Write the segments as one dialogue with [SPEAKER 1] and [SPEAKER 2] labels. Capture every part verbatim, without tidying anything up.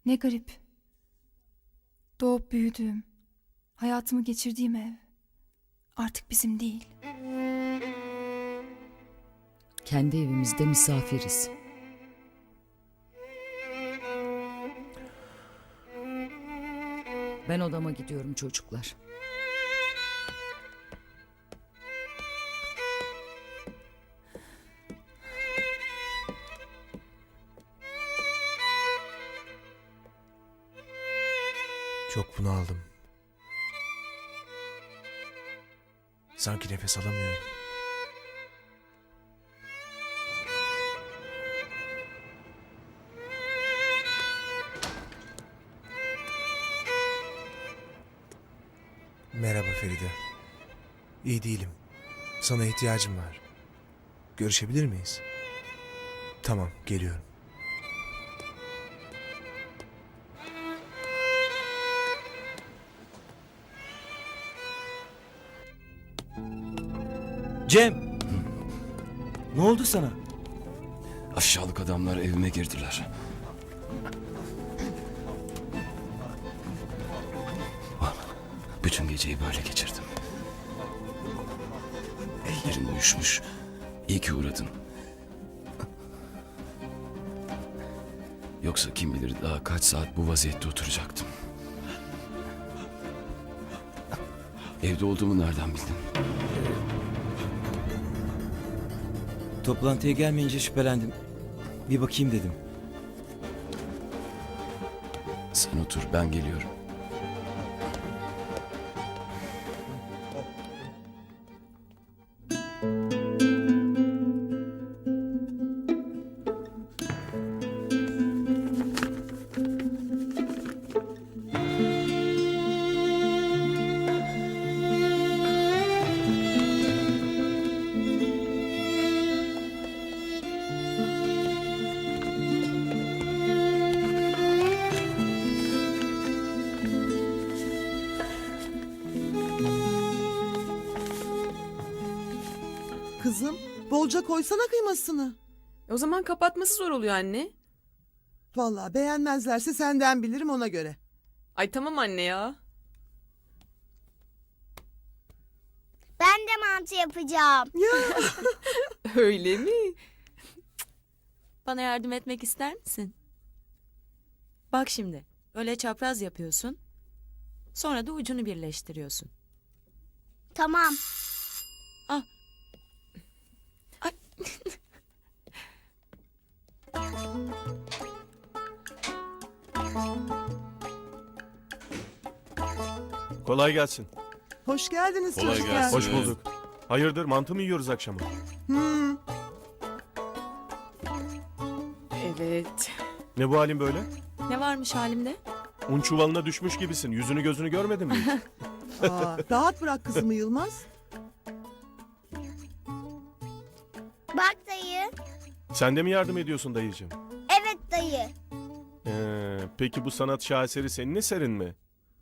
[SPEAKER 1] Ne garip. Doğup büyüdüğüm, hayatımı geçirdiğim ev artık bizim değil.
[SPEAKER 2] Kendi evimizde misafiriz. Ben odama gidiyorum çocuklar.
[SPEAKER 3] Çok bunaldım. Sanki nefes alamıyorum. Merhaba Feride. İyi değilim. Sana ihtiyacım var. Görüşebilir miyiz? Tamam, geliyorum.
[SPEAKER 4] Cem! Ne oldu sana?
[SPEAKER 5] Aşağılık adamlar evime girdiler. Bütün geceyi böyle geçirdim. Ellerim uyuşmuş. İyi ki uğradın. Yoksa kim bilir daha kaç saat bu vaziyette oturacaktım. Evde olduğumu nereden bildin?
[SPEAKER 4] Toplantıya gelmeyince şüphelendim. Bir bakayım dedim.
[SPEAKER 5] Sen otur, ben geliyorum.
[SPEAKER 6] Kızım, bolca koysana kıymasını.
[SPEAKER 7] O zaman kapatması zor oluyor anne.
[SPEAKER 6] Vallahi beğenmezlerse senden bilirim ona göre.
[SPEAKER 7] Ay tamam anne ya.
[SPEAKER 8] Ben de mantı yapacağım.
[SPEAKER 6] Ya
[SPEAKER 7] Öyle mi?
[SPEAKER 9] Bana yardım etmek ister misin? Bak şimdi, öyle çapraz yapıyorsun. Sonra da ucunu birleştiriyorsun.
[SPEAKER 8] Tamam.
[SPEAKER 9] Ah. Ay.
[SPEAKER 10] Kolay gelsin.
[SPEAKER 6] hoş geldiniz
[SPEAKER 10] Kolay
[SPEAKER 6] çocuklar.
[SPEAKER 10] gelsin. Hoş bulduk. Hayırdır, mantı mı yiyoruz akşama?
[SPEAKER 6] Hmm,
[SPEAKER 7] Evet.
[SPEAKER 10] Ne bu halin böyle?
[SPEAKER 9] Ne varmış halimde?
[SPEAKER 10] Un çuvalına düşmüş gibisin. Yüzünü gözünü görmedin mi hiç?
[SPEAKER 6] aa, rahat bırak kızımı Yılmaz.
[SPEAKER 8] Bak dayı.
[SPEAKER 10] Sen de mi yardım ediyorsun dayıcığım?
[SPEAKER 8] Evet dayı.
[SPEAKER 10] Ee, peki bu sanat şaheseri senin eserin mi?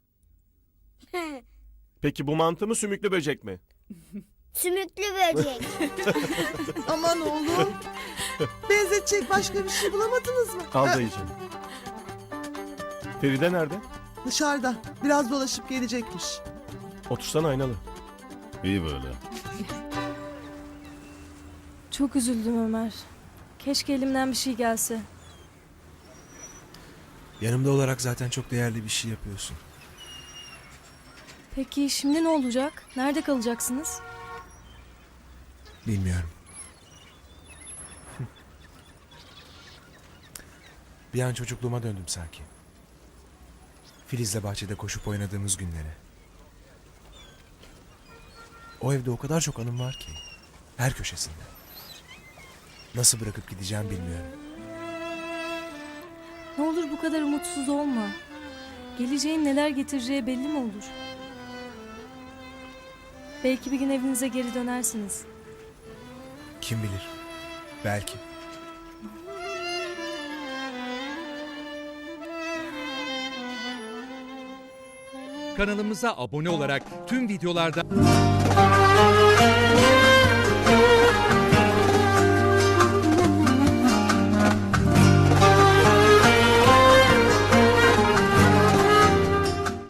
[SPEAKER 10] Peki bu mantı mı sümüklü böcek mi?
[SPEAKER 8] Sümüklü böcek.
[SPEAKER 6] Aman oğlum. Benzetecek başka bir şey bulamadınız mı?
[SPEAKER 10] Al
[SPEAKER 6] Ha,
[SPEAKER 10] dayıcığım. Feride nerede?
[SPEAKER 6] dışarıda. Biraz dolaşıp gelecekmiş.
[SPEAKER 10] Otursana aynalı.
[SPEAKER 5] İyi böyle.
[SPEAKER 11] Çok üzüldüm Ömer. Keşke elimden bir şey gelse.
[SPEAKER 3] Yanımda olarak zaten çok değerli bir şey yapıyorsun.
[SPEAKER 11] Peki şimdi ne olacak? Nerede kalacaksınız?
[SPEAKER 3] Bilmiyorum. Bir an çocukluğuma döndüm sanki. Filiz'le bahçede koşup oynadığımız günlere. O evde o kadar çok anım var ki. Her köşesinde. Nasıl bırakıp gideceğim bilmiyorum.
[SPEAKER 11] Ne olur bu kadar umutsuz olma. Geleceğin neler getireceği belli mi olur? Belki bir gün evinize geri dönersiniz.
[SPEAKER 3] Kim bilir? Belki.
[SPEAKER 12] Kanalımıza abone olarak tüm videolardan